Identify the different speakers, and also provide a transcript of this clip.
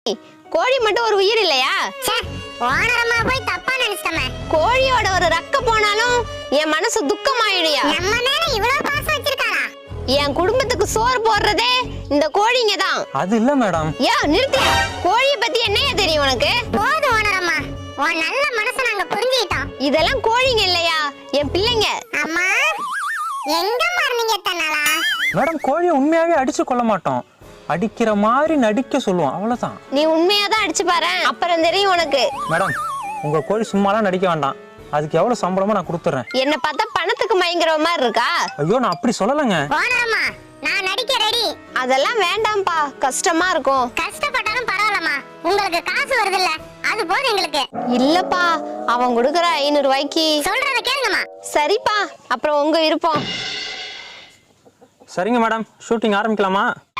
Speaker 1: கோழி மட்டும் ஒரு உயிர் இல்லையா?
Speaker 2: ஓனரம்மா போய் தப்பா நினைச்சிட்டமே.
Speaker 1: கோழியோட ஒரு ரக்க போனாலும் என் மனசு துக்கமாயிடுயா.
Speaker 2: நம்ம மேல இவ்வளவு பாசம் வச்சிருக்காரா?
Speaker 1: என் குடும்பத்துக்கு சோறு போடுறதே இந்த கோழிங்க தான்.
Speaker 3: அது இல்ல மேடம்.
Speaker 1: நிறுத்தியா? கோழிய பத்தி என்னையா தெரியும் உனக்கு?
Speaker 2: போதும் ஓனரம்மா, உன் நல்ல மனசை நாங்க புரிஞ்சுக்கிட்டோம்.
Speaker 1: இதெல்லாம் கோழிங்க இல்லையா, என் பிள்ளைங்க.
Speaker 2: அம்மா எங்க மார்னிங்க தன்னாலா?
Speaker 3: மேடம் கோழியை உண்மையாவே அடிச்சு கொள்ள மாட்டோம், அடிக்கிற மாதிரி நடிக்க சொல்லுவோம், அவ்வளவுதான்.
Speaker 1: நீ உண்மையாதான் அடிச்சு பாரு, அப்புறம் தெரியும் உனக்கு.
Speaker 3: மேடம் உங்க கோழி சும்மாலாம் நடிக்க வேண்டாம், அதுக்கு எவ்வளவு சம்பளமோ நான் கொடுத்துறேன்.
Speaker 1: என்ன பார்த்தா பணத்துக்கு மயங்குற மாதிரி இருக்கா?
Speaker 3: ஐயோ நான் அப்படி சொல்லலங்க.
Speaker 2: ஓனரம்மா நான் நடிக்க ரெடி.
Speaker 1: அதெல்லாம் வேண்டாம்பா, கஷ்டமா இருக்கும்.
Speaker 2: கஷ்டப்பட்டாலும் பரவாயில்லம்மா, உங்களுக்கு காசு வருது இல்ல, அது போதும் எங்களுக்கு.
Speaker 1: இல்லப்பா, அவன் கொடுக்கற 500 ரூபாய்க்கு.
Speaker 2: சொல்றத கேளுங்கம்மா.
Speaker 1: சரிப்பா, அப்புறம் உங்க விருப்பம்.
Speaker 3: சரிங்க மேடம், ஷூட்டிங் ஆரம்பிக்கலாமா?